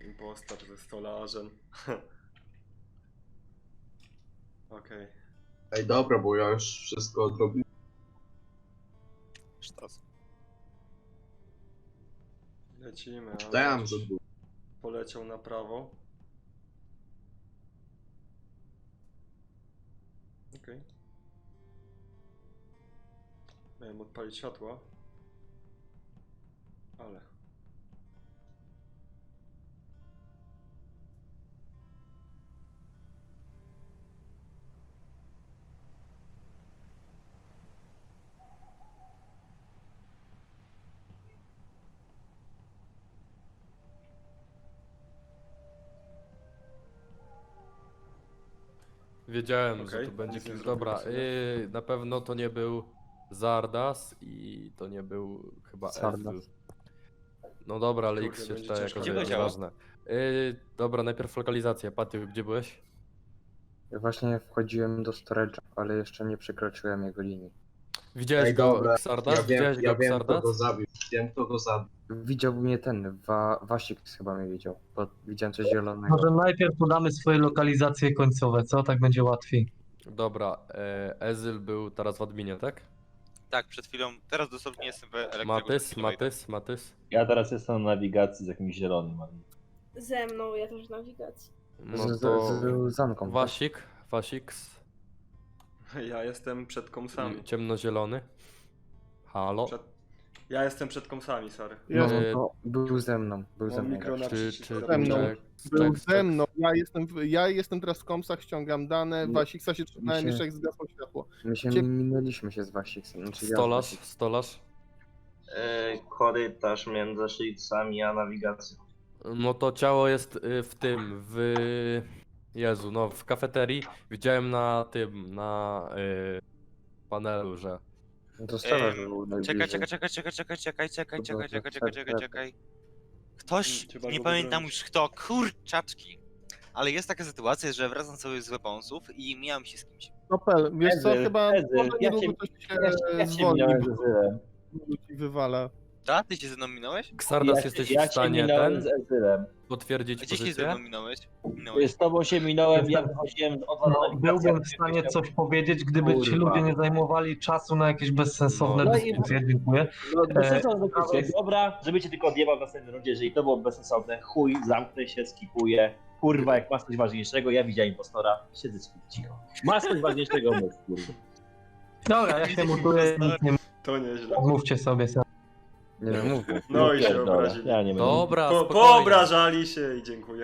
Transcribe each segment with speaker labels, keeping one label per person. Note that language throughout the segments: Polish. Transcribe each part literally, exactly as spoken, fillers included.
Speaker 1: impostor ze stolarzem. Okej. Okay.
Speaker 2: Ej, dobra, bo ja już wszystko odrobiłem.
Speaker 3: Sztos.
Speaker 1: Lecimy.
Speaker 2: Czytałem za dużo.
Speaker 1: Poleciał na prawo. Okej. Okay. Miałem odpalić światła. Ale...
Speaker 4: Wiedziałem,
Speaker 1: Okej,
Speaker 4: że to będzie
Speaker 1: nic nie
Speaker 4: kim.
Speaker 1: zrobiłem
Speaker 4: Dobra,
Speaker 1: sobie.
Speaker 4: yy, na pewno to nie był Zardas i to nie był chyba
Speaker 5: Zardas.
Speaker 4: Ezreal. No dobra, ale
Speaker 1: Kurde,
Speaker 4: X się
Speaker 1: będzie
Speaker 4: czyta
Speaker 1: ciężko.
Speaker 4: jako,
Speaker 3: Gdzie
Speaker 4: że jest
Speaker 3: leciało?
Speaker 4: ważne. Yy, dobra, najpierw lokalizacja. Paty, gdzie byłeś?
Speaker 5: Ja właśnie wchodziłem do storage'a, ale jeszcze nie przekroczyłem jego linii.
Speaker 4: Widziałeś
Speaker 2: Ej,
Speaker 4: go,
Speaker 2: dobra,
Speaker 4: Xardas?
Speaker 2: ja wiem,
Speaker 4: Widziałeś
Speaker 2: ja
Speaker 4: go,
Speaker 2: wiem kto
Speaker 4: Xardas?
Speaker 2: go zabił. Wiem kto go zabił.
Speaker 5: Widział mnie ten, Wa Wasik chyba mnie widział, bo widziałem coś zielonego.
Speaker 6: Może najpierw podamy swoje lokalizacje końcowe, co? Tak będzie łatwiej.
Speaker 4: Dobra, e, Ezreal był teraz w adminie, tak?
Speaker 3: Tak, przed chwilą, teraz dosłownie jestem w elektryku.
Speaker 4: Matys, Matys, Matys.
Speaker 7: Ja teraz jestem na nawigacji z jakimś zielonym.
Speaker 8: Ze mną, ja też w nawigacji.
Speaker 4: No
Speaker 5: z,
Speaker 4: to
Speaker 5: z, z zamką. tak?
Speaker 4: Wasik, Wasik,
Speaker 1: Ja jestem przed komsami.
Speaker 4: ciemnozielony. Halo?
Speaker 1: Przed... Ja jestem przed komsami, sorry.
Speaker 5: No,
Speaker 4: E,
Speaker 5: to był ze mną, był ze
Speaker 1: Mam
Speaker 5: mną.
Speaker 1: mikro na
Speaker 4: Czy,
Speaker 1: przycisk
Speaker 4: czy,
Speaker 9: Ze mną.
Speaker 1: zapięcia.
Speaker 9: Był
Speaker 4: czek,
Speaker 9: ze mną, ja jestem, w, ja jestem teraz w komsach, ściągam dane,
Speaker 5: Nie,
Speaker 9: Wasiksa się trzymałem
Speaker 5: się-
Speaker 9: jeszcze jak zgasło światło.
Speaker 5: My się
Speaker 9: Cie-
Speaker 5: minęliśmy się z Wasiksem. Znaczy ja z
Speaker 4: Stolarz,
Speaker 5: Wasiksem.
Speaker 4: stolarz.
Speaker 10: Yy, korytarz między szylcami a nawigacją.
Speaker 4: No to ciało jest y, w tym, w... Jezu, no w kafeterii. Widziałem na tym, na y, panelu, że...
Speaker 5: No to stolarz
Speaker 3: Ej,
Speaker 5: był
Speaker 3: Czekaj,
Speaker 5: najbliżej.
Speaker 3: czekaj, czekaj, czekaj, czekaj, czekaj, czekaj,
Speaker 5: To
Speaker 3: czekaj,
Speaker 5: było
Speaker 3: czekaj,
Speaker 5: tak,
Speaker 3: czekaj, czekaj,
Speaker 5: tak.
Speaker 3: czekaj. Ktoś,
Speaker 1: Trzeba
Speaker 3: nie
Speaker 1: go
Speaker 3: pamiętam
Speaker 1: wybronić.
Speaker 3: już kto, kurczaczki. Ale jest taka sytuacja, że wracam sobie z weaponsów i mijam się z kimś.
Speaker 9: Nopel, wiesz co,
Speaker 7: Ezyl,
Speaker 9: chyba
Speaker 7: Ezyl,
Speaker 9: może
Speaker 7: ja
Speaker 9: niedługo
Speaker 7: cię-
Speaker 9: coś się
Speaker 7: Ja, się- ja się
Speaker 9: zwolni,
Speaker 7: minąłem z
Speaker 9: bo
Speaker 7: Ezylem.
Speaker 9: ci wywala.
Speaker 3: Ta? Ty się ze mną minąłeś?
Speaker 4: Xardas,
Speaker 7: Ja,
Speaker 4: jesteś
Speaker 7: się- ja
Speaker 4: w stanie
Speaker 7: się minąłem
Speaker 4: ten
Speaker 7: z Ezylem.
Speaker 4: potwierdzić
Speaker 3: Gdzie się ze mną
Speaker 4: pozycję?
Speaker 3: minąłeś? Minąłeś.
Speaker 7: Z tobą się minąłem, ja wychodziłem od was na
Speaker 6: No,
Speaker 7: nawigację.
Speaker 6: byłbym w stanie coś powiedzieć, gdyby ci
Speaker 7: Kurwa.
Speaker 6: ludzie nie zajmowali czasu na jakieś bezsensowne
Speaker 4: No.
Speaker 7: No i-
Speaker 6: dyskusje. Dziękuję.
Speaker 7: No,
Speaker 6: E,
Speaker 7: bezsensowne dyskusje. Dobra, żeby cię tylko odjebał w następnej rundzie, jeżeli to było bezsensowne, chuj, zamknę się, skipuję. Kurwa, jak masz coś ważniejszego, ja widziałem impostora, siedzę cicho. Masz coś ważniejszego, mów, kurwa.
Speaker 6: Dobra, ja się mutuję, nic nie
Speaker 1: To nieźle.
Speaker 6: mówcie sobie. sam.
Speaker 5: Nie no, mówmy.
Speaker 1: No i się
Speaker 7: Pierdolę,
Speaker 1: obrazili.
Speaker 7: Ja nie będę.
Speaker 4: Dobra,
Speaker 1: Po,
Speaker 4: spokojnie.
Speaker 1: poobrażali się i dziękuję.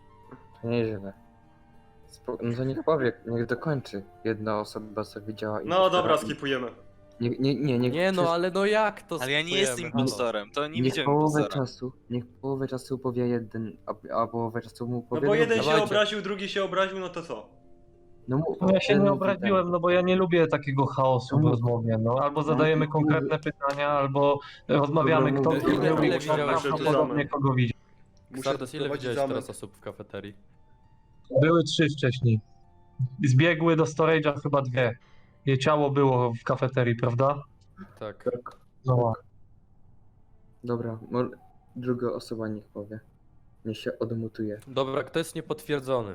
Speaker 5: Nieźle. Spo... No to niech powie, niech dokończy. Jedna osoba co widziała
Speaker 1: No
Speaker 5: impostora
Speaker 1: dobra,
Speaker 5: i-
Speaker 1: skipujemy.
Speaker 5: Nie, nie, nie, niech
Speaker 4: Nie no,
Speaker 5: przez-
Speaker 4: ale no jak to
Speaker 3: Ale ja nie
Speaker 4: skipujemy?
Speaker 3: jestem
Speaker 4: Halo.
Speaker 3: impostorem, to nie
Speaker 5: niech
Speaker 3: widziałem
Speaker 5: połowę
Speaker 3: impostora.
Speaker 5: czasu, niech połowę czasu powie jeden, a, a połowę czasu mu
Speaker 1: No
Speaker 5: powie
Speaker 1: bo
Speaker 5: drugi.
Speaker 1: jeden się
Speaker 4: Dawajcie.
Speaker 1: obraził, drugi się obraził, no to co?
Speaker 5: No, mów,
Speaker 6: No ja się
Speaker 5: ten
Speaker 6: nie
Speaker 5: mówi
Speaker 6: obraziłem, no bo ja nie lubię takiego chaosu w
Speaker 5: No.
Speaker 6: rozmowie. No, albo zadajemy
Speaker 5: No.
Speaker 6: konkretne pytania, albo rozmawiamy,
Speaker 5: Dobra,
Speaker 6: kto
Speaker 5: mówię.
Speaker 6: nie
Speaker 4: Ile-
Speaker 6: lubi,
Speaker 4: ile
Speaker 6: kto
Speaker 4: widziałeś
Speaker 6: prawdopodobnie kogo widzi.
Speaker 4: Xardas, ile widziałeś teraz osób w kafeterii?
Speaker 6: Były trzy wcześniej. Zbiegły do storage'a chyba dwie. Jej ciało było w kafeterii, prawda?
Speaker 4: Tak.
Speaker 5: Tak.
Speaker 6: No.
Speaker 5: Dobra, mo- druga osoba niech powie. Niech się odmutuje.
Speaker 4: Dobra, kto jest niepotwierdzony?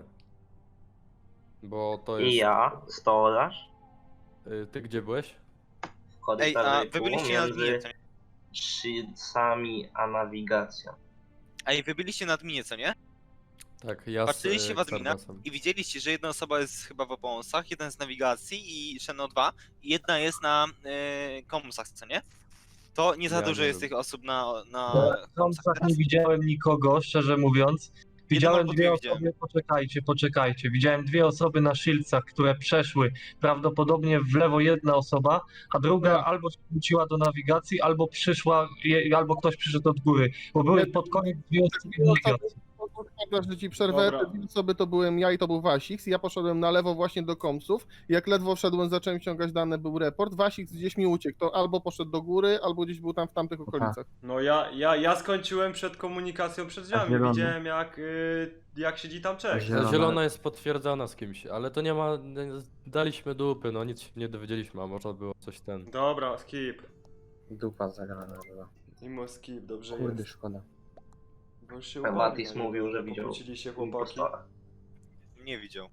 Speaker 4: Bo to jest...
Speaker 10: I ja, stolarz,
Speaker 4: Y, Ty gdzie byłeś?
Speaker 10: w
Speaker 3: Ej, a
Speaker 10: korytarzu
Speaker 3: wy byliście na adminie,
Speaker 10: między
Speaker 3: co nie?
Speaker 10: szylcami a nawigacją.
Speaker 3: Ej, wy byliście na adminie, co nie?
Speaker 4: Tak, ja z
Speaker 3: Patrzyliście
Speaker 4: y,
Speaker 3: w admina
Speaker 4: Xardasem.
Speaker 3: i widzieliście, że jedna osoba jest chyba w oponsach, jeden z nawigacji i Sheno dwa i jedna jest na y, komsach, co nie? To nie za
Speaker 4: Ja
Speaker 3: dużo
Speaker 4: nie
Speaker 3: jest
Speaker 4: wiem.
Speaker 3: tych osób na, na
Speaker 6: W
Speaker 3: komsach
Speaker 6: Komsach
Speaker 3: teraz.
Speaker 6: nie widziałem nikogo, szczerze mówiąc. Widziałem
Speaker 3: albo
Speaker 6: dwie
Speaker 3: dwie
Speaker 6: osoby,
Speaker 3: widziałem.
Speaker 6: poczekajcie, poczekajcie. Widziałem dwie osoby na Shieldsach, które przeszły prawdopodobnie w lewo jedna osoba, a druga
Speaker 9: Ja.
Speaker 6: albo się wróciła do nawigacji, albo przyszła, je- albo ktoś przyszedł od góry. Bo były
Speaker 9: Ja-
Speaker 6: pod koniec dwie osoby
Speaker 9: Dwie osoby-
Speaker 6: nawigacji.
Speaker 9: Dobra, że ci przerwę,
Speaker 1: Dobra.
Speaker 9: te dwie osoby to byłem ja i to był Wasiks, ja poszedłem na lewo właśnie do komsów, jak ledwo wszedłem, zacząłem ściągać dane, był report, Wasiks gdzieś mi uciekł, to albo poszedł do góry, albo gdzieś był tam w tamtych okolicach.
Speaker 1: No ja, ja, ja skończyłem przed komunikacją przed drzwiami.
Speaker 5: zielony?
Speaker 1: Widziałem jak, y, jak siedzi tam Czech.
Speaker 5: Zielony.
Speaker 4: Ta zielona jest potwierdzona z kimś, ale to nie ma... nie- Daliśmy dupy, no nic się nie dowiedzieliśmy, a może było coś ten...
Speaker 1: Dobra, skip.
Speaker 5: Dupa zagrana była.
Speaker 1: Mimo skip, dobrze
Speaker 5: Kurde,
Speaker 1: jest.
Speaker 5: szkoda.
Speaker 1: Bo już się
Speaker 10: Matis
Speaker 1: upadli, no,
Speaker 10: mówił, że
Speaker 1: nie
Speaker 10: widział
Speaker 1: pokłócili się chłopaki.
Speaker 10: impostora.
Speaker 3: Nie widział.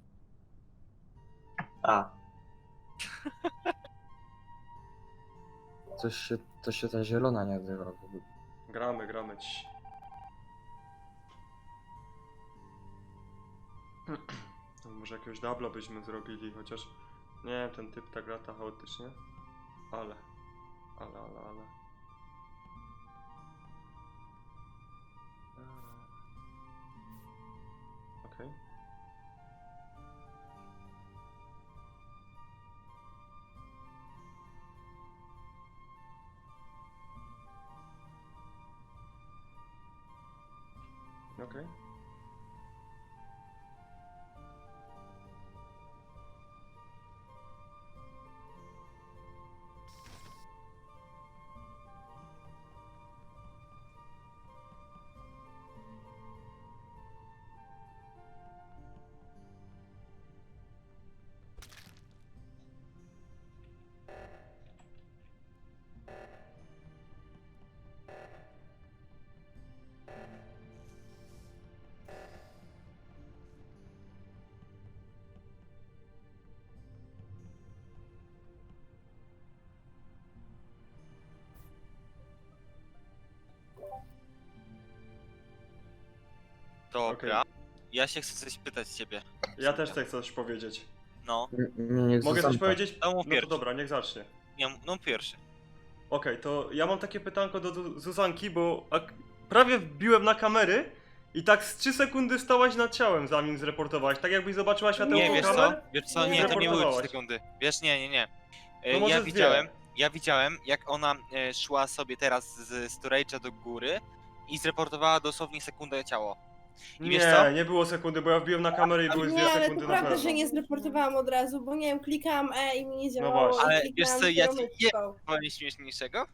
Speaker 10: A,
Speaker 5: Coś się, coś się ta zielona nie odzywa w ogóle.
Speaker 1: Gramy, gramy. Ci. No, może jakiegoś dubla byśmy zrobili, chociaż nie wiem, ten typ tak lata chaotycznie. Ale, ale, ale, ale. Okej. Okay. Okej. Okay.
Speaker 3: Dobra. Ja się chcę coś pytać ciebie.
Speaker 1: Ja też chcę coś powiedzieć.
Speaker 3: No.
Speaker 5: Nie, nie,
Speaker 1: Mogę coś powiedzieć?
Speaker 3: To mów
Speaker 1: No to
Speaker 3: pierwszy.
Speaker 1: dobra, niech zacznie.
Speaker 3: Nie, no pierwszy.
Speaker 1: Okej, to ja mam takie pytanko do Zu- Zuzanki, bo ak- prawie wbiłem na kamery i tak z trzy sekundy stałaś nad ciałem, zanim zreportowałaś. Tak jakbyś zobaczyła światełko
Speaker 3: Nie, wiesz co?
Speaker 1: kamer?
Speaker 3: Wiesz co?
Speaker 1: Nie
Speaker 3: Nie, to nie były trzy
Speaker 1: zreportowałaś.
Speaker 3: sekundy. Wiesz, nie, nie, nie. E,
Speaker 1: No może
Speaker 3: ja
Speaker 1: z
Speaker 3: widziałem,
Speaker 1: dwie.
Speaker 3: ja widziałem, jak ona e, szła sobie teraz z storage'a do góry i zreportowała dosłownie sekundę ciało. I wiesz co?
Speaker 1: Nie, nie było sekundy, bo ja wbiłem na kamerę i były dwie
Speaker 8: Nie, ale
Speaker 1: sekundy
Speaker 8: to
Speaker 1: na
Speaker 8: prawda,
Speaker 1: pewno.
Speaker 8: że nie zreportowałam od razu, bo nie wiem, klikałam E i mi nie działało.
Speaker 1: właśnie.
Speaker 8: i
Speaker 3: Ale
Speaker 8: kliknęłam
Speaker 3: wiesz co, ja ci-
Speaker 8: kierownicą.
Speaker 3: Powiem śmieszniejszego?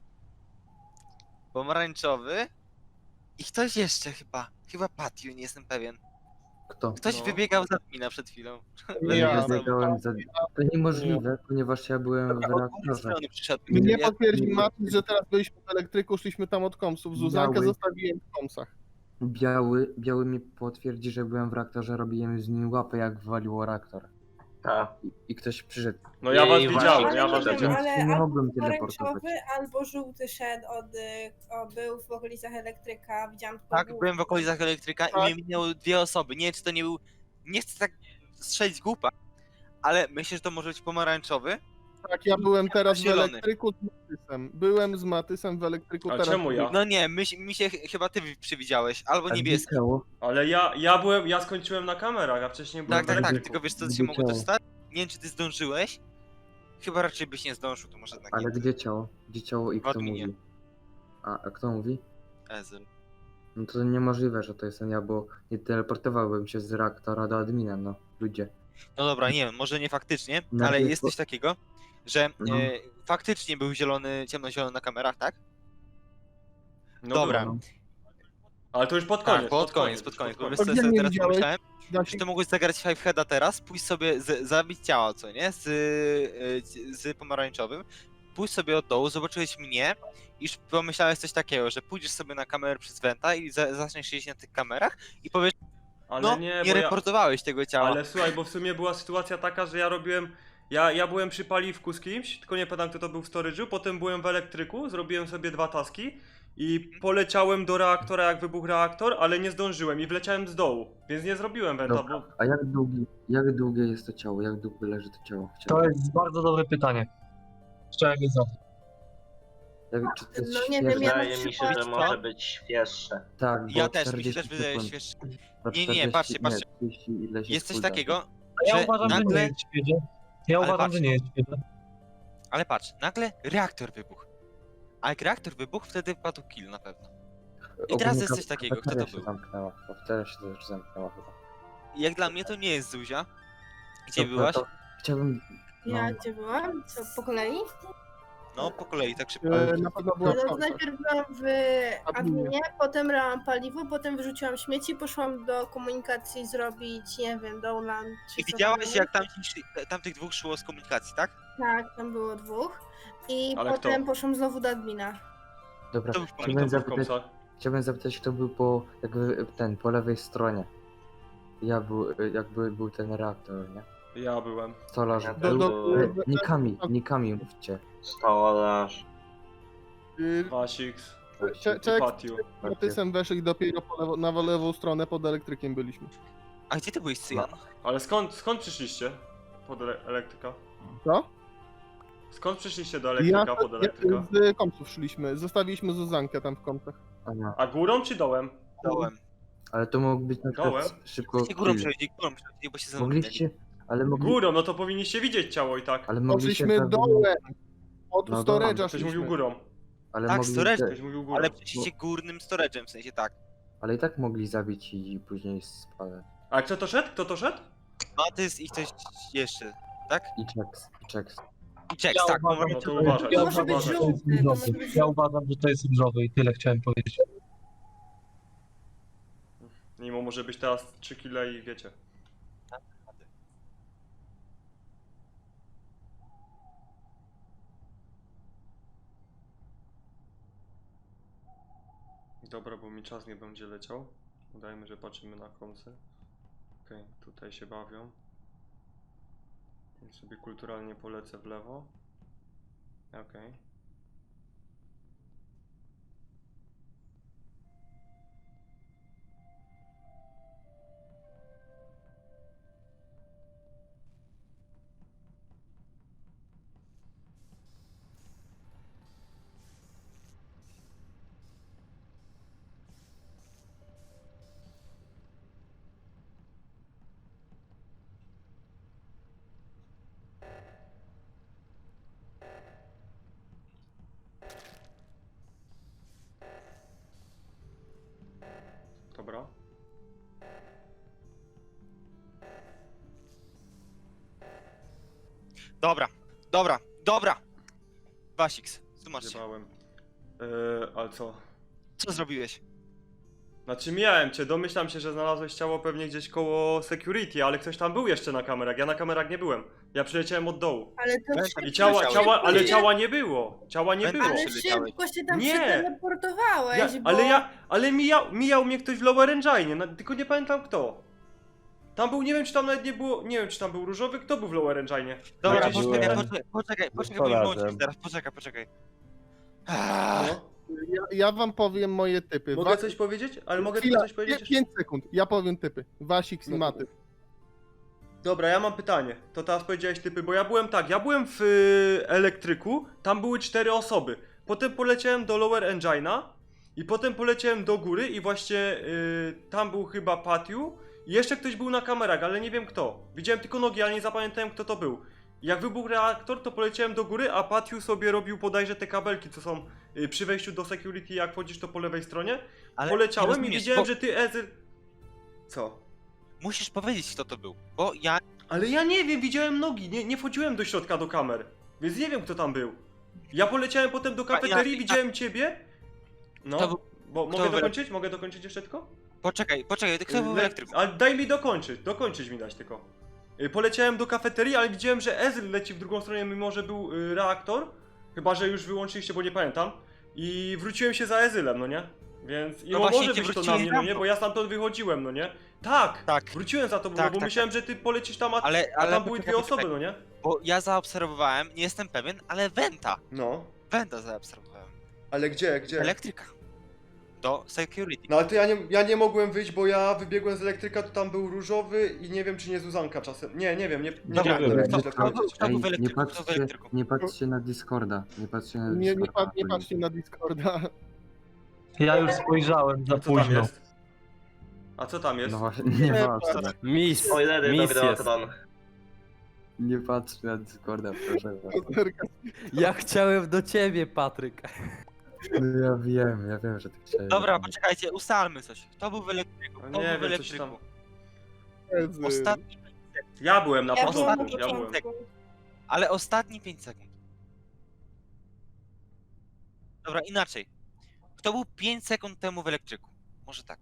Speaker 3: Pomarańczowy i ktoś jeszcze chyba. Chyba Patiu, nie jestem pewien.
Speaker 5: Kto?
Speaker 3: Ktoś
Speaker 1: No.
Speaker 3: wybiegał za mina przed chwilą.
Speaker 9: Nie
Speaker 5: Ja
Speaker 9: ja.
Speaker 5: biegałem za... To niemożliwe, ponieważ ja byłem w
Speaker 3: Od drugiej
Speaker 5: reaktorze.
Speaker 3: strony przyszedł.
Speaker 9: Nie
Speaker 3: Ja-
Speaker 9: potwierdzi Matis, że teraz byliśmy w elektryku, szliśmy tam od komsów. Zuzankę
Speaker 5: Biały.
Speaker 9: zostawiłem w komsach.
Speaker 5: Biały, biały mi potwierdzi, że byłem w reaktorze, robiłem z nim łapę, jak waliło reaktor.
Speaker 10: ta.
Speaker 5: I, i ktoś przyszedł.
Speaker 1: No ja was
Speaker 10: Jej,
Speaker 1: widziałem,
Speaker 8: Ale
Speaker 1: ja
Speaker 8: nie
Speaker 1: was
Speaker 8: wiem,
Speaker 1: widziałem.
Speaker 8: ale
Speaker 5: Nie
Speaker 8: albo
Speaker 5: mogłem teleportować.
Speaker 8: pomarańczowy, albo żółty szedł od, y, o, był w okolicach elektryka, widziałam tylko
Speaker 3: Tak,
Speaker 8: główkę.
Speaker 3: byłem w okolicach elektryka i
Speaker 9: Tak.
Speaker 3: mnie minęły dwie osoby. Nie wiem, czy to nie był. Nie chcę tak strzelić głupa, ale myślę, że to może być pomarańczowy.
Speaker 9: Tak, ja byłem teraz w
Speaker 3: Zielony.
Speaker 9: elektryku z Matysem. Byłem z Matysem w elektryku
Speaker 1: A
Speaker 9: teraz.
Speaker 1: czemu ja?
Speaker 3: No nie, my, mi się ch- chyba ty przywidziałeś, albo
Speaker 5: A gdzie
Speaker 3: niebieski.
Speaker 5: ciało?
Speaker 1: Ale ja, ja byłem, ja skończyłem na kamerach, a wcześniej byłem
Speaker 3: Tak, tak,
Speaker 1: w
Speaker 3: tak,
Speaker 1: elektryku.
Speaker 3: tylko wiesz co
Speaker 5: Gdzie
Speaker 3: się mogło też
Speaker 5: ciało?
Speaker 3: stać? Nie wiem, czy ty zdążyłeś. Chyba raczej byś nie zdążył, to może jednak
Speaker 5: Ale
Speaker 3: nie.
Speaker 5: gdzie ciało? Gdzie ciało i
Speaker 3: W
Speaker 5: kto
Speaker 3: adminie.
Speaker 5: mówi? A, a kto mówi?
Speaker 3: Ezel.
Speaker 5: No to niemożliwe, że to jestem ja, bo nie teleportowałbym się z reaktora do admina, no. Ludzie.
Speaker 3: No dobra, nie wiem, może nie faktycznie,
Speaker 5: No,
Speaker 3: ale
Speaker 5: to-
Speaker 3: jest coś takiego, że
Speaker 5: No.
Speaker 3: e, faktycznie był zielony, ciemnozielony na kamerach, tak?
Speaker 1: No
Speaker 3: Dobra.
Speaker 1: było. Ale to już pod koniec.
Speaker 3: Tak, pod koniec, pod koniec, bo
Speaker 1: pod
Speaker 3: wiesz
Speaker 9: To
Speaker 3: co
Speaker 9: gdzie
Speaker 3: sobie
Speaker 9: mnie
Speaker 3: teraz
Speaker 9: widziałeś?
Speaker 3: pomyślałem?
Speaker 9: Da
Speaker 3: Że to mogłeś zagrać Five Heada teraz, pójść sobie, z, zabić ciało, co nie? Z, y, z pomarańczowym, pójść sobie od dołu, zobaczyłeś mnie i już pomyślałeś coś takiego, że pójdziesz sobie na kamerę przez Venta i za, zaczniesz siedzieć na tych kamerach i powiesz,
Speaker 1: Ale
Speaker 3: no,
Speaker 1: nie,
Speaker 3: nie,
Speaker 1: bo ja,
Speaker 3: reportowałeś tego ciała.
Speaker 1: ale słuchaj, bo w sumie była sytuacja taka, że ja robiłem, ja, ja byłem przy paliwku z kimś, tylko nie pamiętam kto to był w storage'u, potem byłem w elektryku, zrobiłem sobie dwa taski i poleciałem do reaktora jak wybuchł reaktor, ale nie zdążyłem i wleciałem z dołu, więc nie zrobiłem wenta,
Speaker 5: Dobra.
Speaker 1: bo...
Speaker 5: A jak długi, jak długie jest to ciało? Jak długo leży to ciało?
Speaker 6: To
Speaker 5: Chciałbym-
Speaker 6: jest bardzo dobre pytanie. Chciałem wiedzieć.
Speaker 5: Jak, czy to jest
Speaker 8: No nie wiem,
Speaker 5: świeże?
Speaker 8: ja na
Speaker 10: Wydaje mi się,
Speaker 8: przykład-
Speaker 10: że
Speaker 3: Co?
Speaker 10: może być świeższe.
Speaker 5: Tak, bo
Speaker 3: Ja też, mi się
Speaker 5: czterdzieści
Speaker 3: też wydaje
Speaker 5: sekund.
Speaker 3: świeższy.
Speaker 5: Bo
Speaker 3: Nie, nie,
Speaker 5: czterdzieści
Speaker 3: patrzcie, patrzcie.
Speaker 5: trzydzieści ileś
Speaker 3: Jest coś
Speaker 5: cooldown.
Speaker 3: takiego,
Speaker 6: Ja
Speaker 3: że
Speaker 6: uważam, że nie
Speaker 3: nagle,
Speaker 6: jest świeże. Ja
Speaker 3: Ale
Speaker 6: uważam,
Speaker 3: patrz.
Speaker 6: że nie jest świeże.
Speaker 3: ale patrz, nagle reaktor wybuchł. A jak reaktor wybuchł, wtedy wpadł kill na pewno. I teraz jest
Speaker 5: Ogólnie
Speaker 3: coś takiego, kto to
Speaker 5: kafeteria się
Speaker 3: był?
Speaker 5: zamknęła. Kafeteria się też zamknęła chyba.
Speaker 3: I jak dla mnie to nie jest Zuzia. Gdzie
Speaker 5: Dobra,
Speaker 3: byłaś?
Speaker 5: to Chciałbym...
Speaker 8: Ja
Speaker 5: no.
Speaker 8: gdzie byłam? Co, po kolei?
Speaker 3: No, po kolei, tak szybko.
Speaker 9: E, Na pewno była
Speaker 8: No,
Speaker 9: w
Speaker 8: no to
Speaker 9: komsach.
Speaker 8: najpierw byłam w adminie, potem brałam paliwo, potem wyrzuciłam śmieci, poszłam do komunikacji zrobić, nie wiem, download czy
Speaker 3: I
Speaker 8: co
Speaker 3: widziałaś
Speaker 8: tam
Speaker 3: jak tamci, szli- tamtych dwóch szło z komunikacji, tak?
Speaker 8: Tak, tam było dwóch. I
Speaker 1: Ale
Speaker 8: potem
Speaker 1: kto?
Speaker 8: poszłam znowu do admina.
Speaker 5: Dobra,
Speaker 3: To był
Speaker 1: Kto
Speaker 5: chciałbym
Speaker 1: był w
Speaker 5: zapytać,
Speaker 1: komsach?
Speaker 5: Chciałbym zapytać, kto był po, jakby ten, po lewej stronie. Ja był, jakby był ten reaktor, nie?
Speaker 1: Ja byłem.
Speaker 5: Stolarz
Speaker 10: Ja
Speaker 5: był.
Speaker 9: do- do-
Speaker 5: E, Nikami, nikami mówcie.
Speaker 10: Stolarz.
Speaker 9: Y,
Speaker 1: Wasix
Speaker 9: Cze-
Speaker 1: i
Speaker 9: Czek
Speaker 1: Patiu.
Speaker 9: z Matysem weszli dopiero po lewo, na lewą stronę pod elektrykiem byliśmy.
Speaker 3: A gdzie ty byłeś, Cyjan?
Speaker 1: Ale skąd, skąd przyszliście? Pod ele elektryka?
Speaker 9: Co?
Speaker 1: Skąd przyszliście do elektryka, pod elektryka?
Speaker 9: Ja, z kompsów szliśmy, zostawiliśmy Zuzankę tam w kompsach.
Speaker 5: Aha.
Speaker 1: A górą czy dołem?
Speaker 3: Dołem.
Speaker 5: Ale to mógł być na przykład
Speaker 1: Dołem?
Speaker 5: szybko
Speaker 3: Gdzie górą
Speaker 5: kill.
Speaker 3: przejdzie, górą przejdzie, bo się zamknęli.
Speaker 5: Mogliście, ale mogli,
Speaker 1: Górą, no to powinniście widzieć ciało i tak.
Speaker 5: ale mogliście...
Speaker 9: Poszliśmy
Speaker 5: pewnie-
Speaker 9: dołem. Od
Speaker 5: No
Speaker 9: storage'a
Speaker 5: dobra.
Speaker 1: Ktoś mówił
Speaker 9: szliśmy.
Speaker 1: górą.
Speaker 5: Ale
Speaker 3: Tak,
Speaker 5: mogli,
Speaker 3: storage.
Speaker 1: Ktoś mówił górą.
Speaker 3: Ale przejście górnym storage'em, w sensie tak.
Speaker 5: ale i tak mogli zabić i później spadać.
Speaker 1: A kto to szedł? Kto to szedł?
Speaker 3: Matys i ktoś jeszcze, tak?
Speaker 5: I checks, i checks.
Speaker 3: I Jax,
Speaker 6: Ja
Speaker 3: tak.
Speaker 6: uważam,
Speaker 1: No to
Speaker 6: że-
Speaker 1: uważaj.
Speaker 6: ja
Speaker 8: Może być
Speaker 6: uważam, że to jest
Speaker 8: żółty, to może
Speaker 6: różowy.
Speaker 8: być
Speaker 6: Ja
Speaker 8: żółty.
Speaker 6: uważam, że to jest różowy i tyle chciałem powiedzieć.
Speaker 1: Mimo może być teraz trzy kile i wiecie. Dobra, bo mi czas nie będzie leciał. Udajmy, że patrzymy na kąsy. Okej, tutaj się bawią. Więc sobie kulturalnie polecę w lewo. Okej. Dobra.
Speaker 3: Dobra, dobra, dobra. Wasix, tłumacz się.
Speaker 1: Zjebałem. Yy, ale co?
Speaker 3: Co zrobiłeś?
Speaker 1: Znaczy mijałem cię, domyślam się, że znalazłeś ciało pewnie gdzieś koło security, ale ktoś tam był jeszcze na kamerach, ja na kamerach nie byłem. Ja przyleciałem od dołu.
Speaker 8: Ale to
Speaker 3: I
Speaker 8: szybko,
Speaker 1: I ciała,
Speaker 3: Przyleciałeś.
Speaker 1: ciała, ale
Speaker 8: się-
Speaker 1: ciała nie było. Ciała nie było.
Speaker 3: Ale
Speaker 8: Ale
Speaker 3: przyleciałeś.
Speaker 8: szybko się tam
Speaker 1: Nie.
Speaker 8: przeteleportowałeś,
Speaker 1: Ja,
Speaker 8: bo...
Speaker 1: ale ja, ale mijał, mijał mnie ktoś w Lower Engine, no, tylko nie pamiętam kto. Tam był, nie wiem czy tam nawet nie było, nie wiem czy tam był różowy, kto był w Lower Engine.
Speaker 3: Dobra,
Speaker 1: Gdzieś-
Speaker 3: poczekaj,
Speaker 7: byłem-
Speaker 3: poczekaj, poczekaj, poczekaj, bo mi włączyć teraz, poczekaj, poczekaj. Ah,
Speaker 1: No.
Speaker 9: Ja, ja wam powiem moje typy.
Speaker 1: Mogę
Speaker 9: Wa-
Speaker 1: coś powiedzieć? Ale mogę
Speaker 9: Chwila,
Speaker 1: tylko coś powiedzieć?
Speaker 9: pięć sekund. Ja powiem typy. Wasix i
Speaker 1: No.
Speaker 9: Maty.
Speaker 1: Dobra, ja mam pytanie. To teraz powiedziałeś typy, bo ja byłem tak, ja byłem w y, elektryku, tam były cztery osoby. Potem poleciałem do Lower Engine'a i potem poleciałem do góry i właśnie y, tam był chyba Patiu i jeszcze ktoś był na kamerach, ale nie wiem kto. Widziałem tylko nogi, ale nie zapamiętałem kto to był. Jak wybuchł reaktor, to poleciałem do góry, a Patiu sobie robił bodajże te kabelki, co są y, przy wejściu do security, jak wchodzisz to po lewej stronie.
Speaker 3: ale
Speaker 1: Poleciałem
Speaker 3: nie
Speaker 1: i
Speaker 3: rozumiesz,
Speaker 1: widziałem,
Speaker 3: bo
Speaker 1: że ty Ezyl... Co?
Speaker 3: musisz powiedzieć, kto to był, bo ja...
Speaker 1: Ale ja nie wiem, widziałem nogi, nie, nie wchodziłem do środka do kamer, więc nie wiem kto tam był. Ja poleciałem potem do kafeterii,
Speaker 3: ja-
Speaker 1: widziałem ciebie. No,
Speaker 3: Kto był-
Speaker 1: bo
Speaker 3: kto
Speaker 1: mogę
Speaker 3: był-
Speaker 1: dokończyć? Mogę dokończyć jeszcze tylko?
Speaker 3: Poczekaj, poczekaj, kto był w
Speaker 1: Le-
Speaker 3: elektryku?
Speaker 1: Ale daj mi dokończyć, dokończyć mi dać tylko. Y, Poleciałem do kafeterii, ale widziałem, że Ezreal leci w drugą stronę, mimo że był y, reaktor. Chyba, że już wyłączyliście, bo nie pamiętam. I wróciłem się za Ezylem, no nie? Więc i
Speaker 3: No
Speaker 1: no
Speaker 3: właśnie,
Speaker 1: może
Speaker 3: ty
Speaker 1: być to na
Speaker 3: wróciłeś
Speaker 1: mnie,
Speaker 3: za
Speaker 1: no nie?
Speaker 3: mną.
Speaker 1: Bo ja stamtąd wychodziłem, no nie? Tak!
Speaker 3: Tak,
Speaker 1: Wróciłem za to,
Speaker 3: Tak,
Speaker 1: bo
Speaker 3: tak,
Speaker 1: myślałem, że ty polecisz tam, a,
Speaker 3: ale,
Speaker 1: a
Speaker 3: ale
Speaker 1: tam były
Speaker 3: poczekaj,
Speaker 1: dwie osoby,
Speaker 3: poczekaj,
Speaker 1: no nie?
Speaker 3: bo ja zaobserwowałem, nie jestem pewien, ale Wenta,
Speaker 1: No.
Speaker 3: Wenta zaobserwowałem.
Speaker 1: Ale gdzie, gdzie?
Speaker 3: Elektryka. Do security.
Speaker 1: No ale to ja nie, ja nie mogłem wyjść, bo ja wybiegłem z elektryka, to tam był różowy i nie wiem czy nie Zuzanka czasem. Nie, nie wiem, nie, nie
Speaker 3: Dobra,
Speaker 1: wiem,
Speaker 9: wiem,
Speaker 1: jak
Speaker 3: kto,
Speaker 1: źle
Speaker 3: kto, był-
Speaker 1: powiedzieć.
Speaker 3: kto był
Speaker 5: Ej,
Speaker 3: w
Speaker 5: nie
Speaker 3: elektryku, kto w
Speaker 5: patrzcie,
Speaker 3: elektryku?
Speaker 5: nie patrzcie na Discorda, nie patrzcie na
Speaker 9: Nie, nie,
Speaker 5: Discorda.
Speaker 9: pa, nie patrzcie na Discorda.
Speaker 6: Ja już spojrzałem za
Speaker 1: A co tam
Speaker 6: późno.
Speaker 1: jest? A co tam jest?
Speaker 5: No właśnie, nie patrzcie,
Speaker 4: Mis,
Speaker 10: Spoilery
Speaker 4: mis
Speaker 10: do
Speaker 4: jest.
Speaker 10: Grotron.
Speaker 5: nie patrzcie na Discorda, proszę was.
Speaker 4: Ja chciałem do ciebie, Patryk.
Speaker 5: No ja wiem, ja wiem, że tak chciałem.
Speaker 3: Dobra, poczekajcie, ustalmy coś. Kto był w elektryku?
Speaker 1: No
Speaker 3: Kto
Speaker 1: nie
Speaker 3: był w
Speaker 1: wiem, coś
Speaker 3: elektryku?
Speaker 1: tam.
Speaker 3: Ostatni,
Speaker 1: Ja byłem na
Speaker 8: Ja
Speaker 1: początku,
Speaker 8: byłam na
Speaker 1: ja byłem.
Speaker 8: początku.
Speaker 3: ale ostatni pięć sekund. Dobra, inaczej. Kto był pięć sekund temu w elektryku? Może tak.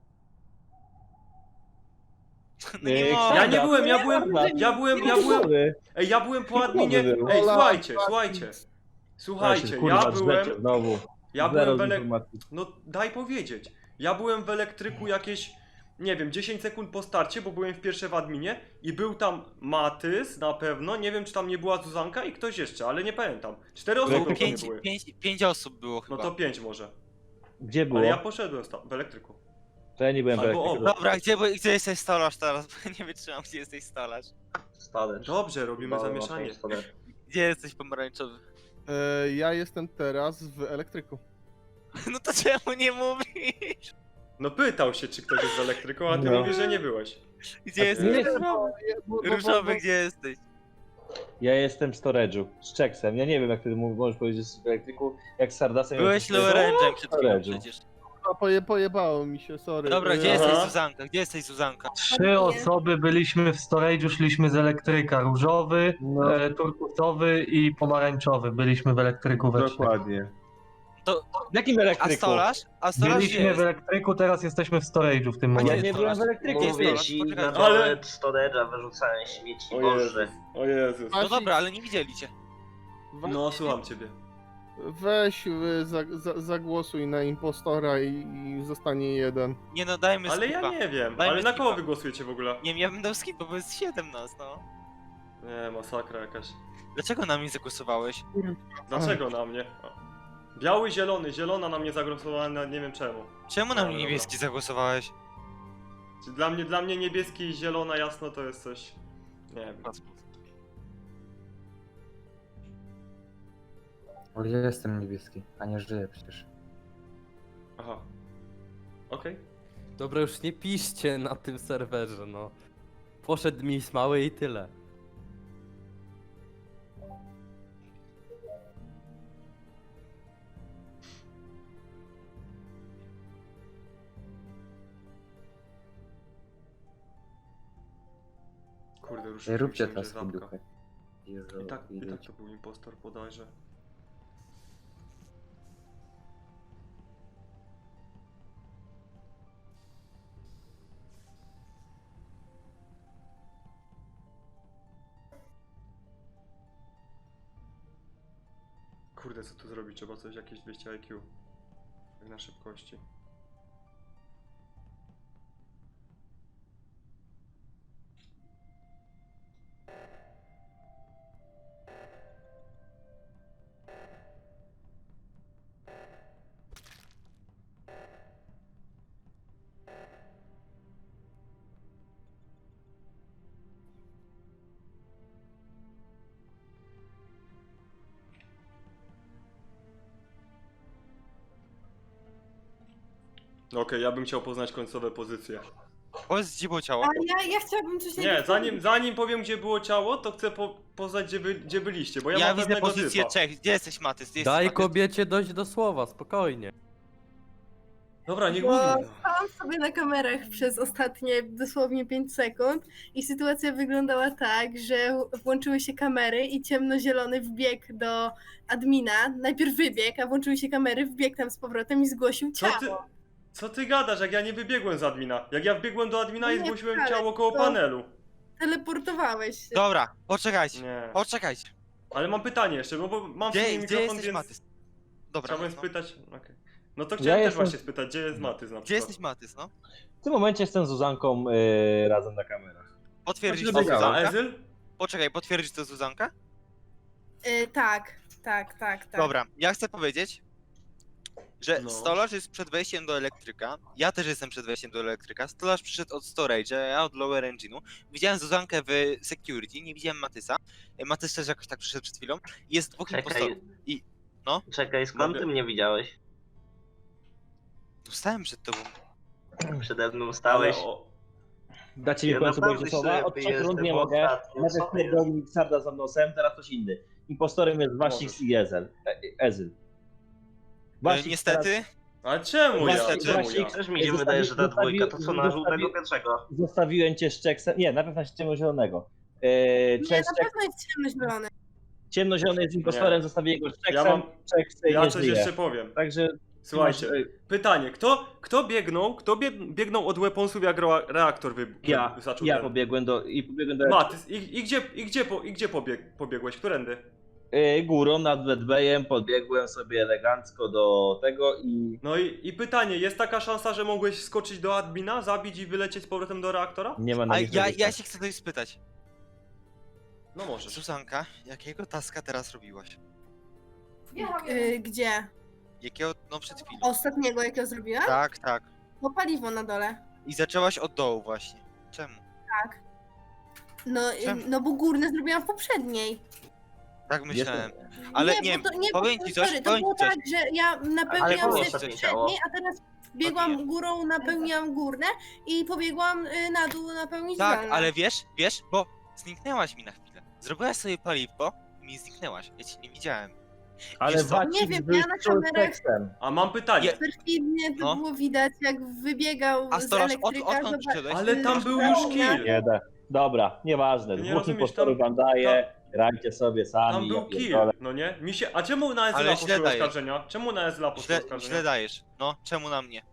Speaker 3: No nie
Speaker 7: Nie,
Speaker 3: mogę.
Speaker 1: Ja nie byłem, ja
Speaker 8: Nie,
Speaker 1: byłem,
Speaker 8: nie,
Speaker 1: ja byłem, ja byłem, ej, ja byłem po adminie, ej, słuchajcie, słuchajcie. Słuchajcie, ja byłem,
Speaker 7: Znowu.
Speaker 1: Ja
Speaker 7: Zero
Speaker 1: byłem w elek...
Speaker 7: informacji.
Speaker 1: No daj powiedzieć. Ja byłem w elektryku jakieś, nie wiem, dziesięć sekund po starcie, bo byłem w pierwsze w adminie i był tam Matys na pewno, nie wiem czy tam nie była Zuzanka i ktoś jeszcze, ale nie pamiętam. Cztery osoby
Speaker 3: Było
Speaker 1: pewnie
Speaker 3: pięć,
Speaker 1: były.
Speaker 3: pięć, pięć osób było
Speaker 1: No
Speaker 3: chyba.
Speaker 1: to pięć może.
Speaker 7: Gdzie było?
Speaker 1: Ale ja poszedłem sta- w elektryku.
Speaker 7: To ja nie byłem w
Speaker 1: Albo
Speaker 7: elektryku.
Speaker 1: obok.
Speaker 3: Dobra, gdzie, gdzie jesteś stolarz teraz? Bo nie wytrzymam, gdzie jesteś stolarz.
Speaker 10: Stolarz.
Speaker 1: Dobrze, robimy zamieszanie.
Speaker 3: Gdzie jesteś pomarańczowy?
Speaker 9: E, ja jestem teraz w elektryku.
Speaker 3: No to czemu nie mówisz?
Speaker 1: No pytał się czy ktoś jest w elektryku, a ty
Speaker 7: No.
Speaker 1: mówisz, że nie byłeś.
Speaker 3: Gdzie jesteś?
Speaker 7: Nie,
Speaker 9: Bo- bo- bo-
Speaker 3: Różowy, gdzie jesteś?
Speaker 7: Ja jestem w storage'u, z Checksem. Ja nie wiem jak ty mów- możesz powiedzieć, że jesteś w elektryku, jak z Sardasem...
Speaker 3: Byłeś
Speaker 7: jesteś-
Speaker 3: lower range'em przed chwilą
Speaker 7: Storage'u.
Speaker 3: przecież.
Speaker 9: bo- Poje, pojebało mi się, sorry.
Speaker 3: Dobra, gdzie
Speaker 9: E,
Speaker 3: jesteś
Speaker 1: Aha.
Speaker 3: Zuzanka? Gdzie jesteś Zuzanka?
Speaker 6: Trzy osoby byliśmy w storage'u, szliśmy z elektryka. Różowy,
Speaker 7: No,
Speaker 6: e, turkusowy i pomarańczowy. Byliśmy w elektryku we trzech.
Speaker 7: dokładnie.
Speaker 3: To,
Speaker 7: W jakim
Speaker 3: a
Speaker 7: elektryku?
Speaker 3: stolarz? A stolarz gdzie
Speaker 6: Byliśmy w
Speaker 3: jest?
Speaker 6: elektryku, teraz jesteśmy w storage'u w tym
Speaker 3: A
Speaker 7: Ja
Speaker 3: gdzie
Speaker 6: momencie.
Speaker 7: nie byłem w elektryku.
Speaker 3: Gdzie
Speaker 10: Mówię
Speaker 3: jest
Speaker 10: ci,
Speaker 3: Poczekaj,
Speaker 10: na
Speaker 1: ale-
Speaker 10: dole storage'a wyrzucałem śmieci,
Speaker 1: O
Speaker 10: Boże.
Speaker 1: Jezus, o Jezus.
Speaker 3: No dobra, ale nie widzieli cię.
Speaker 1: No słucham ciebie.
Speaker 9: Weź, y, za, za, zagłosuj na impostora i, i zostanie jeden.
Speaker 3: Nie no, dajmy
Speaker 1: Ale
Speaker 3: skipa.
Speaker 1: ja nie wiem,
Speaker 3: Dajmy
Speaker 1: ale na kogo
Speaker 3: skipa.
Speaker 1: wy głosujecie w ogóle?
Speaker 3: Nie wiem, ja bym dał skipa, bo jest siedem nas, no.
Speaker 1: Nie, masakra jakaś.
Speaker 3: Dlaczego na mnie zagłosowałeś?
Speaker 1: Dlaczego na mnie? O. Biały, zielony, zielona na mnie zagłosowała, na nie wiem czemu.
Speaker 3: Czemu na
Speaker 1: No,
Speaker 3: mnie
Speaker 1: dobra.
Speaker 3: niebieski zagłosowałeś?
Speaker 1: Czy Dla mnie, dla mnie niebieski i zielona jasno to jest coś... Nie wiem.
Speaker 5: Bo ja jestem niebieski, a nie żyję przecież.
Speaker 1: Aha. Okej.
Speaker 4: Dobra, już nie piszcie na tym serwerze, no. Poszedł mi smały i tyle.
Speaker 1: Kurde, już
Speaker 5: Nie róbcie
Speaker 1: myślałem, że
Speaker 5: taski
Speaker 1: zapka.
Speaker 5: duchy. Jezu,
Speaker 1: I tak, i tak
Speaker 5: idziecie.
Speaker 1: to był impostor bodajże. Kurde, co tu zrobić? Trzeba coś, jakieś dwieście I Q. Tak na szybkości. No okej, ja bym chciał poznać końcowe pozycje.
Speaker 3: Powiedz, gdzie było ciało?
Speaker 8: A ja, ja chciałabym coś
Speaker 1: Nie,
Speaker 8: najpierw
Speaker 1: zanim,
Speaker 8: powiedzieć.
Speaker 1: zanim powiem gdzie było ciało, to chcę po, poznać gdzie, wy, gdzie byliście, bo ja,
Speaker 3: Ja
Speaker 1: mam
Speaker 3: widzę
Speaker 1: pewnego
Speaker 3: pozycję
Speaker 1: typa.
Speaker 3: Czech. Gdzie jesteś, Matys? Gdzie
Speaker 4: Daj
Speaker 3: jesteś, Matys?
Speaker 4: kobiecie dojść do słowa, spokojnie.
Speaker 1: Dobra, nie
Speaker 8: Bo
Speaker 1: mówi.
Speaker 8: stałam sobie na kamerach przez ostatnie dosłownie pięć sekund i sytuacja wyglądała tak, że włączyły się kamery i ciemnozielony wbiegł do admina. Najpierw wybiegł, a włączyły się kamery, wbiegł tam z powrotem i zgłosił
Speaker 1: Co
Speaker 8: ciało.
Speaker 1: ty, co ty gadasz, jak ja nie wybiegłem z admina? Jak ja wbiegłem do admina i
Speaker 8: Nie,
Speaker 1: zgłosiłem
Speaker 8: wcale,
Speaker 1: ciało koło
Speaker 8: to-
Speaker 1: panelu.
Speaker 8: Teleportowałeś się.
Speaker 3: Dobra, poczekajcie.
Speaker 1: Nie.
Speaker 3: Poczekajcie.
Speaker 1: Ale mam pytanie jeszcze, no bo mam w
Speaker 3: Gdzie,
Speaker 1: sumie
Speaker 3: gdzie
Speaker 1: mikrofon,
Speaker 3: jesteś,
Speaker 1: więc
Speaker 3: Matys? Dobra,
Speaker 1: chciałbym
Speaker 3: no.
Speaker 1: spytać... Okej. No to chciałem też
Speaker 7: jestem-
Speaker 1: właśnie spytać, gdzie jest Matys na
Speaker 3: Gdzie
Speaker 1: przykład?
Speaker 3: jesteś, Matys, no?
Speaker 7: W tym momencie jestem z Zuzanką y, razem na kamerach.
Speaker 3: Potwierdzisz
Speaker 7: Znaczy,
Speaker 3: to
Speaker 1: A
Speaker 3: Zuzanka?
Speaker 1: Ezyl?
Speaker 3: Poczekaj, potwierdzisz to Zuzanka?
Speaker 8: Y, tak, tak, tak, tak.
Speaker 3: Dobra, ja chcę powiedzieć, że
Speaker 1: No.
Speaker 3: stolarz jest przed wejściem do elektryka. Ja też jestem przed wejściem do elektryka. Stolarz przyszedł od storage'a, ja od lower engine'u. Widziałem Zuzankę w security, nie widziałem Matysa. E, Matys też jakoś tak przyszedł przed chwilą. Jest dwóch
Speaker 10: Czekaj,
Speaker 3: impostorów. I no,
Speaker 10: czekaj, skąd
Speaker 1: Mogę-
Speaker 10: ty mnie widziałeś?
Speaker 3: stałem przed tobą.
Speaker 10: Przede mną
Speaker 1: Ale
Speaker 10: stałeś.
Speaker 1: o...
Speaker 7: Dacie mi
Speaker 10: Ja
Speaker 7: w końcu
Speaker 10: naprawdę
Speaker 7: powiedzieć słowa? Od
Speaker 10: ślepy
Speaker 7: trzech rund
Speaker 10: jestem
Speaker 7: nie mogę.
Speaker 10: ostatnio,
Speaker 7: Najpierw
Speaker 10: co jest?
Speaker 7: pierdolnik Sarda za nosem, teraz ktoś inny. Impostorem jest Wasix
Speaker 1: Możesz.
Speaker 7: i Ezel. E, Ezyl.
Speaker 3: E,
Speaker 7: Wasix
Speaker 3: niestety,
Speaker 1: Ale czemu ja?
Speaker 3: Niestety.
Speaker 1: Czemu ja?
Speaker 7: Właśnie-
Speaker 10: Też mi się
Speaker 7: Zostawi-
Speaker 10: wydaje, że ta
Speaker 7: zostawi-
Speaker 10: dwójka to co na żółtego
Speaker 7: zostawi-
Speaker 10: pierwszego.
Speaker 7: teraz zostawiłem cię z Checksem. Nie, najpierw na ciemnozielonego. E,
Speaker 8: Nie,
Speaker 7: Czeks,
Speaker 8: na
Speaker 7: Czeks,
Speaker 8: pewno jest ciemnozielony.
Speaker 7: ciemnozielony jest impostorem,
Speaker 1: Nie.
Speaker 7: zostawię go z
Speaker 1: Ja
Speaker 7: Checksem.
Speaker 1: mam...
Speaker 7: Czeks e,
Speaker 1: Ja
Speaker 7: nie
Speaker 1: coś
Speaker 7: żyje.
Speaker 1: jeszcze powiem.
Speaker 7: Także
Speaker 1: Słuchajcie,
Speaker 7: masz, e,
Speaker 1: pytanie, kto, kto biegnął, kto bieg, biegnął od weaponsów jak ro- reaktor wy,
Speaker 7: ja,
Speaker 1: zaczął
Speaker 7: ja
Speaker 1: ten-
Speaker 7: pobiegłem do i pobiegłem do
Speaker 1: Matys, i, i gdzie, i gdzie, po, i gdzie pobieg, pobiegłeś? Którędy?
Speaker 7: Yy, górą nad Bedbejem podbiegłem sobie elegancko do tego i
Speaker 1: No i, i pytanie, jest taka szansa, że mogłeś skoczyć do admina, zabić i wylecieć z powrotem do reaktora?
Speaker 7: nie ma
Speaker 3: A
Speaker 7: na nic
Speaker 3: ja,
Speaker 7: żadnych
Speaker 3: ja
Speaker 7: szans.
Speaker 3: się chcę coś spytać.
Speaker 1: No możesz.
Speaker 3: Zuzanka, jakiego taska teraz robiłaś?
Speaker 8: Y, gdzie?
Speaker 3: Jakiego, no przed chwilą.
Speaker 8: Ostatniego, jakiego zrobiłam?
Speaker 3: Tak, tak.
Speaker 8: No paliwo na dole.
Speaker 3: I zaczęłaś od dołu właśnie. Czemu?
Speaker 8: No, y,
Speaker 3: Czemu?
Speaker 8: no bo górne zrobiłam w poprzedniej.
Speaker 3: Tak myślałem.
Speaker 7: Jestem-
Speaker 3: Ale
Speaker 8: nie,
Speaker 3: nie,
Speaker 8: bo to, nie
Speaker 3: powiem
Speaker 8: bo,
Speaker 3: ci coś,
Speaker 8: sorry, to
Speaker 3: powiem
Speaker 8: było
Speaker 3: ci coś.
Speaker 8: tak, że ja
Speaker 10: Ale
Speaker 8: napełniam
Speaker 10: było
Speaker 8: się
Speaker 10: ostatnie
Speaker 8: w
Speaker 10: ciało.
Speaker 8: poprzedniej, a teraz biegłam
Speaker 3: Odbiję.
Speaker 8: górą, napełniłam górne i pobiegłam y, na dół napełnić
Speaker 3: Tak,
Speaker 8: dolne.
Speaker 3: ale wiesz, wiesz, bo zniknęłaś mi na chwilę. Zrobiłaś sobie paliwko i mi zniknęłaś. Ja cię nie widziałem.
Speaker 7: Ale
Speaker 3: Wiesz co?
Speaker 7: Wacik
Speaker 8: Nie wiem,
Speaker 7: był
Speaker 8: ja na
Speaker 7: z
Speaker 8: kamerach-
Speaker 7: tekstem.
Speaker 1: A mam pytanie.
Speaker 3: Je-
Speaker 8: Perfidnie to
Speaker 3: No.
Speaker 8: było widać, jak wybiegał
Speaker 3: A
Speaker 8: z
Speaker 3: Stolarz, od,
Speaker 8: elektryka.
Speaker 3: odkąd
Speaker 8: zobacz-
Speaker 3: przyszedłeś?
Speaker 1: Ale tam był już kill.
Speaker 7: Nie da. Dobra, nieważne.
Speaker 1: Nie
Speaker 7: Dwóch
Speaker 1: rozumiesz,
Speaker 7: impostorów
Speaker 1: tam-
Speaker 7: wam daję, grajcie sobie sami.
Speaker 1: Tam był
Speaker 7: ja
Speaker 1: kill,
Speaker 7: pierdolę.
Speaker 1: no nie? Mi się... A czemu na
Speaker 3: Ale
Speaker 1: Ezla
Speaker 3: źle
Speaker 1: poszły
Speaker 3: dajesz.
Speaker 1: oskarżenia? Czemu na Ezla poszły
Speaker 3: Źle,
Speaker 1: oskarżenia?
Speaker 3: źle dajesz. No, czemu na mnie?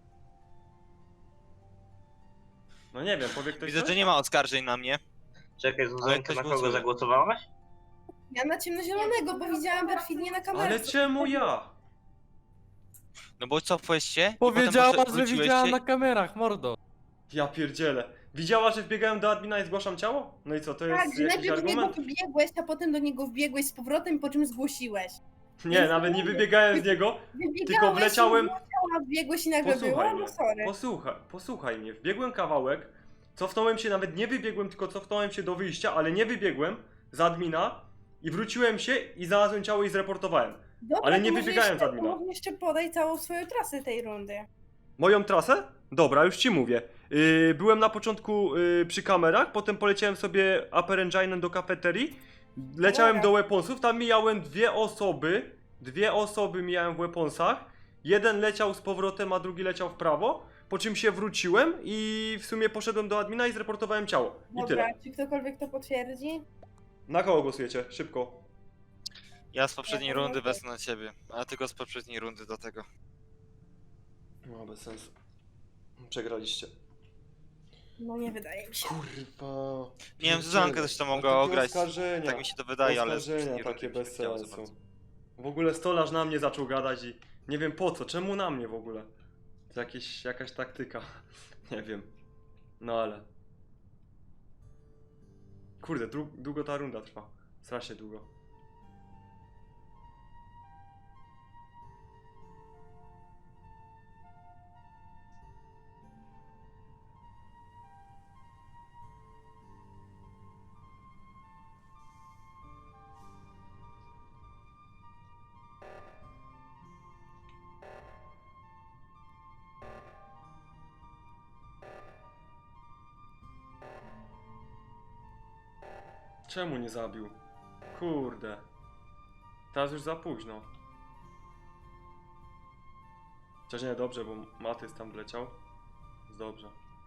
Speaker 1: No nie wiem, powie ktoś
Speaker 3: Widzę,
Speaker 1: coś?
Speaker 3: że nie ma oskarżeń na mnie.
Speaker 10: Czekaj, Zuzanka,
Speaker 3: ktoś
Speaker 10: na kogo
Speaker 3: głosuje.
Speaker 10: zagłosowałaś?
Speaker 8: Ja na ciemnozielonego, bo widziałam perfidnie na kamerze.
Speaker 1: Ale czemu ja?
Speaker 3: No bo cofłeś się i
Speaker 4: Powiedziała,
Speaker 3: potem
Speaker 4: że
Speaker 3: wróciłeś
Speaker 4: widziała
Speaker 3: się.
Speaker 4: na kamerach, mordo.
Speaker 1: Ja pierdzielę. Widziała, że wbiegałem do admina i zgłaszam ciało? No i co, to jest
Speaker 8: Tak, że
Speaker 1: jakiś
Speaker 8: najpierw do niego
Speaker 1: argument?
Speaker 8: wbiegłeś, a potem do niego wbiegłeś z powrotem, po czym zgłosiłeś.
Speaker 1: Nie, nawet nie wybiegałem z niego.
Speaker 8: Wybiegałeś
Speaker 1: wleciałem-
Speaker 8: i ciała, wbiegłeś i nagle
Speaker 1: Posłuchaj
Speaker 8: było,
Speaker 1: mnie,
Speaker 8: no sorry.
Speaker 1: posłuchaj, posłuchaj mnie. Wbiegłem kawałek, cofnąłem się, nawet nie wybiegłem, tylko cofnąłem się do wyjścia, ale nie wybiegłem z admina i wróciłem się i znalazłem ciało i zreportowałem.
Speaker 8: Dobra,
Speaker 1: ale nie
Speaker 8: to może
Speaker 1: wybiegałem z
Speaker 8: jeszcze,
Speaker 1: admina.
Speaker 8: to może jeszcze podaj całą swoją trasę tej rundy.
Speaker 1: Moją trasę? Dobra, już ci mówię. Yy, byłem na początku yy, przy kamerach, potem poleciałem sobie Upper Engine'em do kafeterii, leciałem
Speaker 8: Dobra.
Speaker 1: do weaponsów, tam mijałem dwie osoby, dwie osoby mijałem w weaponsach, jeden leciał z powrotem, a drugi leciał w prawo, po czym się wróciłem i w sumie poszedłem do admina i zreportowałem ciało. I
Speaker 8: Dobra,
Speaker 1: tyle.
Speaker 8: czy ktokolwiek to potwierdzi?
Speaker 1: Na kogo głosujecie? Szybko.
Speaker 3: Ja z poprzedniej
Speaker 8: Ja
Speaker 3: rundy
Speaker 8: pomogę.
Speaker 3: wezmę na ciebie, a tylko z poprzedniej rundy do tego.
Speaker 1: No bez sensu. Przegraliście.
Speaker 8: No nie wydaje mi się.
Speaker 1: Kurwa.
Speaker 3: Nie wiem, Zuzanka też to mogła
Speaker 1: takie
Speaker 3: ograć.
Speaker 1: oskarżenia.
Speaker 3: Tak mi się to wydaje, ale z
Speaker 1: Oskarżenia
Speaker 3: poprzedniej rundy
Speaker 1: takie
Speaker 3: mi się
Speaker 1: bez
Speaker 3: nie chciało za
Speaker 1: sensu.
Speaker 3: bardzo.
Speaker 1: W ogóle stolarz na mnie zaczął gadać i nie wiem po co, czemu na mnie w ogóle? To jakieś, jakaś taktyka, nie wiem. No ale... Kurde, dłu- długo ta runda trwa. Strasznie długo. Czemu nie zabił? Kurde. Teraz już za późno. Chociaż nie, dobrze, bo Matys tam wleciał. Jest dobrze.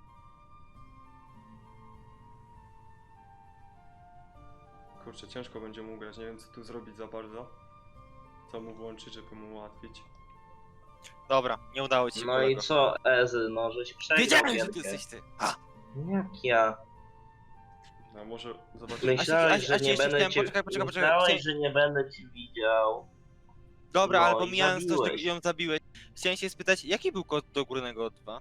Speaker 1: Kurczę, ciężko będzie mu grać. Nie wiem, co tu zrobić za bardzo. Co mu włączyć, żeby mu ułatwić.
Speaker 3: Dobra, nie udało ci się.
Speaker 10: No i
Speaker 3: kolego.
Speaker 10: co, Ezy, no żeś przegrał
Speaker 3: Wiedziałem, że ty
Speaker 10: gierkę.
Speaker 3: jesteś ty. A,
Speaker 10: Jak ja?
Speaker 1: No może zobaczymy.
Speaker 10: Myślałeś,
Speaker 3: a-
Speaker 10: że
Speaker 3: a ci
Speaker 10: nie
Speaker 3: jeszcze
Speaker 10: będę
Speaker 3: chciałem-
Speaker 10: cię...
Speaker 3: poczekaj, poczekaj, poczekaj,
Speaker 10: Myślałeś,
Speaker 3: chciałem-
Speaker 10: że nie będę cię widział.
Speaker 3: dobra,
Speaker 10: No
Speaker 3: ale
Speaker 10: i
Speaker 3: pomijając to, że
Speaker 10: zabiłeś.
Speaker 3: ją zabiłeś, chciałem się spytać, jaki był kod do górnego O dwa?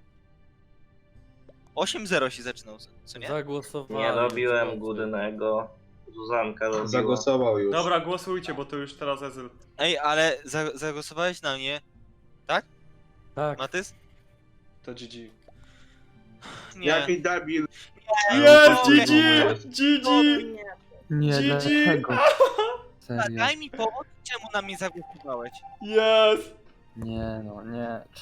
Speaker 3: osiem zero się zaczynał, co nie?
Speaker 4: Zagłosowałem.
Speaker 10: Nie robiłem
Speaker 4: zobaczmy.
Speaker 10: górnego. Zuzanka robiła.
Speaker 2: Zagłosował już.
Speaker 1: Dobra, głosujcie, bo to już teraz Ezyl.
Speaker 3: Ej, ale za zagłosowałeś na mnie,
Speaker 4: Tak.
Speaker 3: Matys?
Speaker 1: To G G.
Speaker 3: Nie.
Speaker 2: debil.
Speaker 1: Jest!
Speaker 3: G
Speaker 1: G
Speaker 3: G!
Speaker 1: G! G G!
Speaker 8: Nie.
Speaker 5: Nie,
Speaker 1: G G!
Speaker 5: dlaczego? Serio.
Speaker 3: Daj mi powód, czemu na mnie zagłosowałeś.
Speaker 1: Jest!
Speaker 5: Nie no, nie.